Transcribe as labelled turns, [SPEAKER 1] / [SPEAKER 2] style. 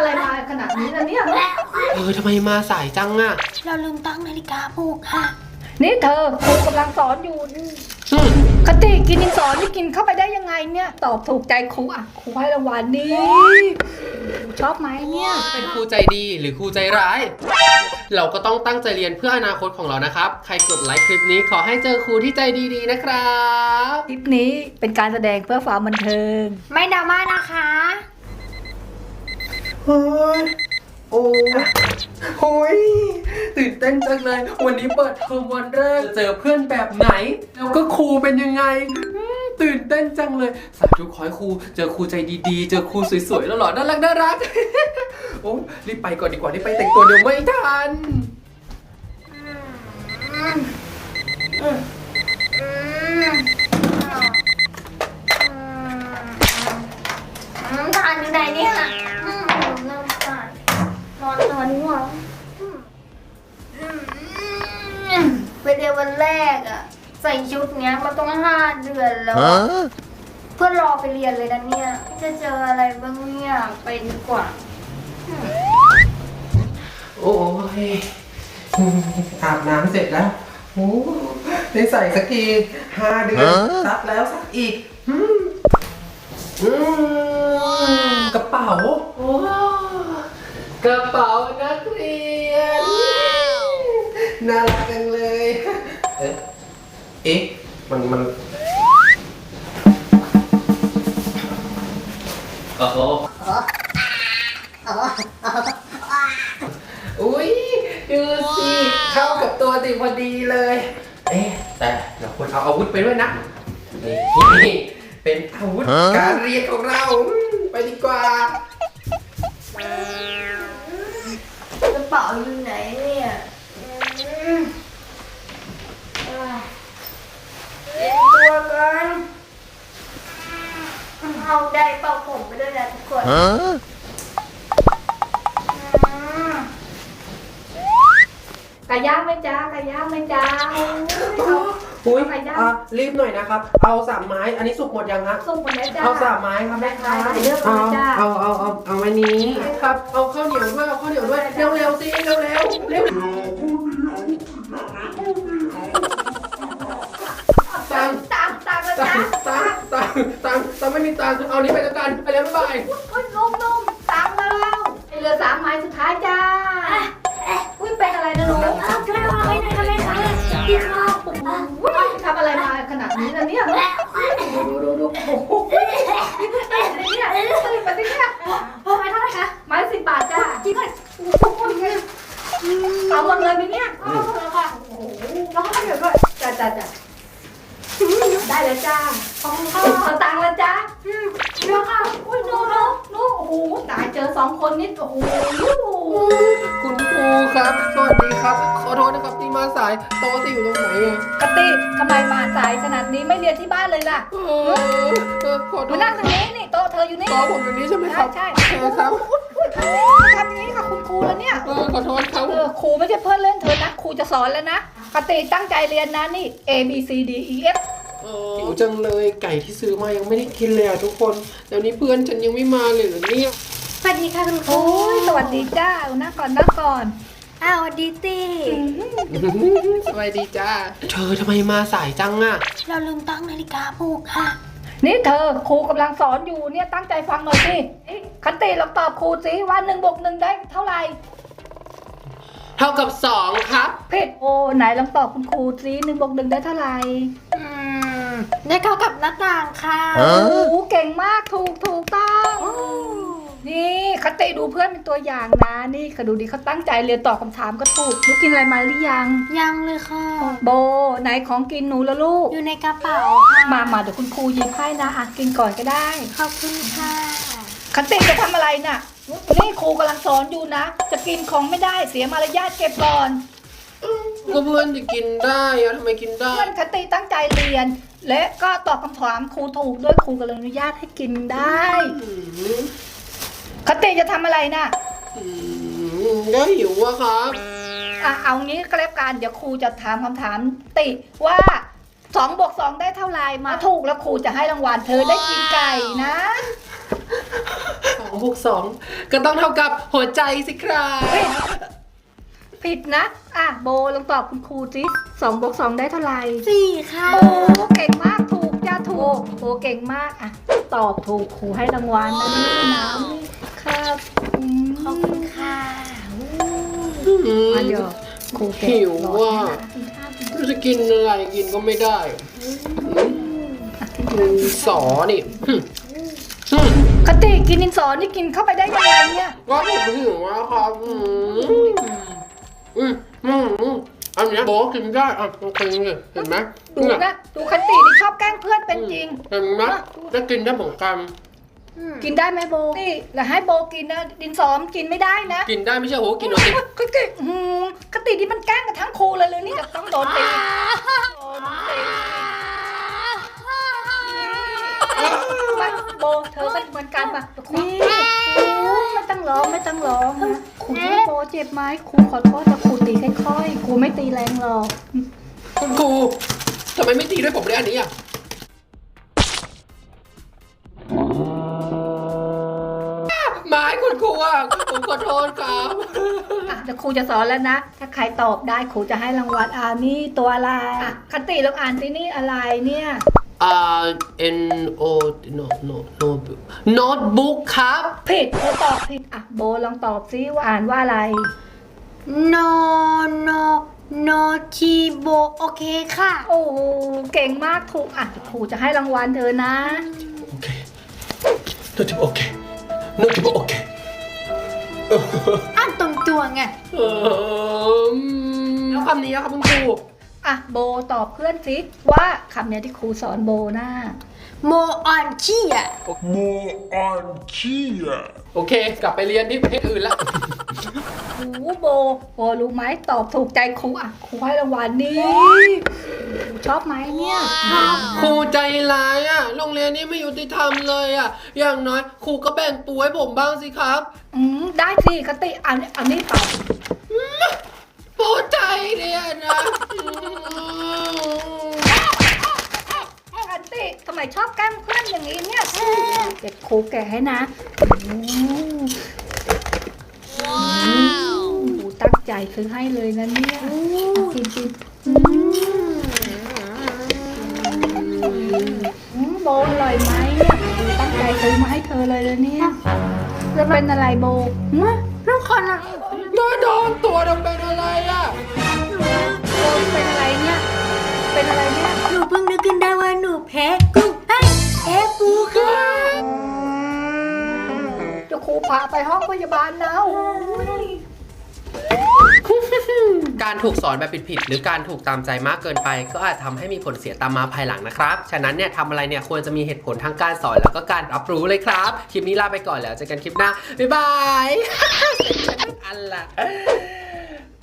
[SPEAKER 1] อะไรมาขนาดนี้นะเนี่ย
[SPEAKER 2] ทำไมมาสายจังอ่ะ
[SPEAKER 3] เราลืมตั้งนาฬิกาปลุกค่ะ
[SPEAKER 1] นี่เธอครูกำลังสอนอยู่คติกินดินสอนี่กินเข้าไปได้ยังไงเนี่ยตอบถูกใจครูอ่ะครูให้รางวัลนี่ชอบไหมเนี่ย
[SPEAKER 2] เป็นครูใจดีหรือครูใจร้าย เราก็ต้องตั้งใจเรียนเพื่ออนาคตของเรานะครับใครกดไลค์คลิปนี้ขอให้เจอครูที่ใจดีๆนะครับ
[SPEAKER 1] คลิปนี้เป็นการแสดงเพื่อความบันเทิง
[SPEAKER 3] ไม่ดราม่านะคะ
[SPEAKER 2] เฮ้ยโอ้ยตื่นเต้นจังเลยวันนี้เปิดเทอมวันแรกเจอเพื่อนแบบไหนแล้วก็ครูเป็นยังไงตื่นเต้นจังเลยสาธุขอให้ครูเจอครูใจดีๆเจอครูสวยๆแล้วหล่อน่ารักโอ้รีบไปก่อนดีกว่ารีบไปแต่งตัวเดี๋ยวไม่ทัน
[SPEAKER 3] ทานอยู่ไหนเนี่ยเริ่มทานนอนง่วงไปเรียนวันแรกอะใส่ชุดเนี้ยมันต้อง5 เดือนแล้วเพื่อรอไปเรียนเลยนะเนี่ยจะเจออะไรบ้างเนี่ยไปดีกว่า
[SPEAKER 2] โอ้ยอาบน้ำเสร็จแล้วโอ้ได้ใส่สักที5 เดือนซักแล้วซักอีกกระเป๋าโอ้กระเป๋านักเรียนน่ารักจังเลยเอ๊ะมันโอ้โหอุ้ยดูสิเข้ากับตัวติพอดีเลยแต่เราควรเอาอาวุธไปด้วยนะนี่เป็นอาวุธการเรียนของเราไปดีกว่าก
[SPEAKER 3] ระเป๋าอยู่ไหนเนี่ยเรียนตัวกันเอาได้เป่าผมไปด้วยนะทุกคน
[SPEAKER 1] ไก่ย่างไหมจ้าไก่ย่างไหมจ้า
[SPEAKER 2] อุ้ยรีบหน่อยนะครับเอา3 ไม้อันนี้สุกหมดยังฮะ
[SPEAKER 1] สุกหมดแล้วจ้า
[SPEAKER 2] เอา3 ไม้ครับได้ครับเอาไม้นี้ครับเอาข้าวเหนียวด้วยเอาข้าวเหนียวด้วยเร็วสิเร็วตังไม่มีตังเอานี้ไปแล้วกันไปแล้วบ๊ายบาย
[SPEAKER 1] นุ่มตังแล้วเหลือ3 ไม้สุดท้ายจ้าอุ้ยเป็นอะไรนะลูก
[SPEAKER 3] ทำไมมาไม่ได้ทำไมคะพี่ข้าว
[SPEAKER 1] ทำอะไรมาขนาดนี้นะเนี่ยดูโอ้โหเนี่ยไปสิเนี่ย
[SPEAKER 3] ไม้เท่าไหร่คะ
[SPEAKER 1] ไม้10 บาทจ้า
[SPEAKER 3] จริงเลย
[SPEAKER 1] เอาหมดเลยไหมเนี่ย
[SPEAKER 3] เอาแล้วค่ะโอ้โหแล้วก็เดี๋ยวด้วย
[SPEAKER 1] จ้าได้แล้วจ้าขอตังค์แล้วจ้า
[SPEAKER 3] เดี๋ยวค่ะ
[SPEAKER 1] อุ้ยโน้โอ้โหตายเจอ2 คนนิดโอ้โห
[SPEAKER 2] คุณครูครับสวัสดีครับขอโทษนะครับที่มาสายโต๊ะที่อยู่ตรงไหน
[SPEAKER 1] กติทำไมมาสายขนาดนี้ไม่เรียนที่บ้านเลยล่ะมานั่งตรงนี้นี่โต๊ะเธออยู่นี่
[SPEAKER 2] โต๊ะผมอยู่นี่ใช่ไหมครับ
[SPEAKER 1] ใช่
[SPEAKER 2] ครับ
[SPEAKER 1] ทำนี้ค่ะคุณครูแล้วเนี่ย
[SPEAKER 2] ขอโทษครับ
[SPEAKER 1] ครูไม่ใช่เพื่อนเล่นเธอนะครูจะสอนแล้วนะกติตั้งใจเรียนนะนี่ A B C D E F
[SPEAKER 2] หิวจังเลยไก่ที่ซื้อมายังไม่ได้กินเลยทุกคนเดี๋ยวนี้เพื่อนฉันยังไม่มาเลยเนี่ย
[SPEAKER 3] สวัสดีค่ะคุณครู
[SPEAKER 1] สวัสดีจ้านั่งก่อน
[SPEAKER 3] สวัสดีตี้
[SPEAKER 2] สวัสดีจ้าเธอทำไมมาสายจังอ่ะ
[SPEAKER 3] เราลืมตั้งนาฬิกาปลุกค่ะ
[SPEAKER 1] นี่เธอครูกำลังสอนอยู่เนี่ยตั้งใจฟังหน่อยสิคติลองตอบครูสิว่า1 บวก 1ได้เท่าไหร่
[SPEAKER 2] เท่ากับ2ครับ
[SPEAKER 1] ผิดไหนลองตอบคุณครูสิ1 บวก 1ได้เท่าไหร่
[SPEAKER 3] ได้เท่ากับหน้าต่างค่ะ
[SPEAKER 1] โอ้เก่งมากถูกต้องนี่คติดูเพื่อนเป็นตัวอย่างนะนี่เขาดูดีเขาตั้งใจเรียนตอบคำถามก็ถูกลูกกินอะไรมาหรือยัง
[SPEAKER 3] เลยค่ะ
[SPEAKER 1] โบไหนของกินหนูแล้วลูก
[SPEAKER 3] อยู่ในกระเป๋าค่ะ
[SPEAKER 1] มาเดี๋ยวคุณครูหยิบให้นะกินก่อนก็ได้
[SPEAKER 3] ขอบคุณค่ะ
[SPEAKER 1] คติจะทำอะไรน่ะนี่ครูกำลังสอนอยู่นะจะกินของไม่ได้เสียมารยาทเก็บก่อน
[SPEAKER 2] ก็เพื่อนจะกินได้อะทำไมกินได้
[SPEAKER 1] เพื่อนคติตั้งใจเรียนและก็ตอบคำถามครูถูกด้วยครูก็เลยอนุญาตให้กินได้คติจะทำอะไรน่ะ
[SPEAKER 2] ก็หิวอะครับ
[SPEAKER 1] เอางี้ก็แล้วกันเดี๋ยวครูจะถามคำถามติว่า2 บวก 2ได้เท่าไหร่มาถูกแล้วครูจะให้รางวัลเธอได้กินไก่นะ
[SPEAKER 2] 2 บวก 2 ก็ต้องเท่ากับหัวใจสิครับ
[SPEAKER 1] ผิดนะโบลองตอบคุณครูสิ2 บวก 2 ได้เท่าไหร่
[SPEAKER 3] 4 ค่ะ
[SPEAKER 1] โอ้เก่งมากถูกจ้าถูกโอ้เก่งมากตอบถูกครูให้รางวัลนะนี่น้ำนี่ครับ
[SPEAKER 3] ขอบคุณค่ะ
[SPEAKER 1] มาเดี๋ยวครูเก่ง
[SPEAKER 2] หิว
[SPEAKER 1] รอ
[SPEAKER 2] ว่า
[SPEAKER 1] ให้นะกินข้าวกินข้าว
[SPEAKER 2] จะกินอะไรกินก็ไม่ได้ สอนี่
[SPEAKER 1] คติกินดินสอนี่กินเข้าไปได้ยังไงเนี่ย
[SPEAKER 2] ก็ผมหิวแล้วครับอันเนี้ยโบกินได้กินเลยเห็นไหม
[SPEAKER 1] ดูนะดูคตินี่ชอบแกล้งเพื่อนเป็นจริง
[SPEAKER 2] เห็นไหมจะกินได้เหมือนกัน
[SPEAKER 1] กินได้ไหมโบนี่แล้วให้โบกินนะดินสอมกินไม่ได้นะ
[SPEAKER 2] กินได้ไม่ใช่โหกินเอาสิ
[SPEAKER 1] คติคตินี่มันแกล้งกันทั้งครูเลยนี่จะต้องโดนตีโดนตีมาโบเธอก็เหมือนกันป่ะครูไม่ต้องร้องไม่ต้องร้องนะครูโบเจ็บไหมครูขอโทษแต่ครูตีค่อยๆครูไม่ตีแรงหรอก
[SPEAKER 2] คุณครูทำไมไม่ตีด้วยผมเลยอันนี้อ่ะไม้คุณครูอ่ะผมขอโทษครับ
[SPEAKER 1] เดี๋ยวครูจะสอนแล้วนะ ถ้าใครตอบได้ครูจะให้รางวัลนี่ตัวอะไรคติลองอ่านสินี่อะไรเนี่ย
[SPEAKER 2] N O notebook ครับ
[SPEAKER 1] ผิดเธอตอบผิดโบลองตอบซิว่าอ่านว่าอะไร
[SPEAKER 3] no ทีโบโอเคค่ะ
[SPEAKER 1] โอ้เก่งมากถูกครูจะให้รางวัลเธอนะ
[SPEAKER 2] โอเค notebook โอเค notebook โอเค
[SPEAKER 3] อ่านตรงตัวไง
[SPEAKER 2] แล้วคำนี้ครับคุณครู
[SPEAKER 1] โบตอบเพื่อนสิว่าคำเนี้ยที่ครูสอนโบนะ
[SPEAKER 3] โมออนชี่อ่ะ
[SPEAKER 4] Moantia.
[SPEAKER 2] โอเค กลับไปเรียนที่ประเทศอื่นละ
[SPEAKER 1] โบรู้ไหมตอบถูกใจครูครูให้รางวัลนี่ชอบไหมเนี่ย
[SPEAKER 2] ครูใจร้ายอ่ะ โรงเรียนนี้ไม่ยุติธรรมเลยอ่ะ อย่างน้อยครูก็แบ่งปูให้ผมบ้างสิครับ
[SPEAKER 1] ได้สิคติอันนี้ตอบ
[SPEAKER 2] โปรดใจเนี่ยนะ
[SPEAKER 1] คติทำไมชอบแกล้งเพื่อนอย่างนี้เนี่ยเก็บครูแก่ให้นะตั้งใจซื้อให้เลยนะเนี่ยกินโบอร่อยไหมเนี่ยตั้งใจซื้อมาให้เธอเลยนะเนี่ยจะเป็นอะไรโบลูกคนอะ
[SPEAKER 2] มาโดนตัวทำเป็นอะไรอ่ะ
[SPEAKER 1] โบเป็นอะไรเนี่ยเป็นอะไรเนี่ย
[SPEAKER 3] หนูเพิ่งนึกขึ้นได้ว่าหนูแพ้กุ้งแพ้ปูค่ะ
[SPEAKER 1] เดี๋ยวครูพาไปห้องพยาบาลนะโอ้ย
[SPEAKER 2] การถูกสอนแบบผิดๆหรือการถูกตามใจมากเกินไปก็อาจทำให้มีผลเสียตามมาภายหลังนะครับ ฉะนั้นเนี่ยทำอะไรเนี่ยควรจะมีเหตุผลทั้งการสอนแล้วก็การรับรู้เลยครับ คลิปนี้ลาไปก่อนแล้วเจอกันคลิปหน้า บ๊ายบาย อันละ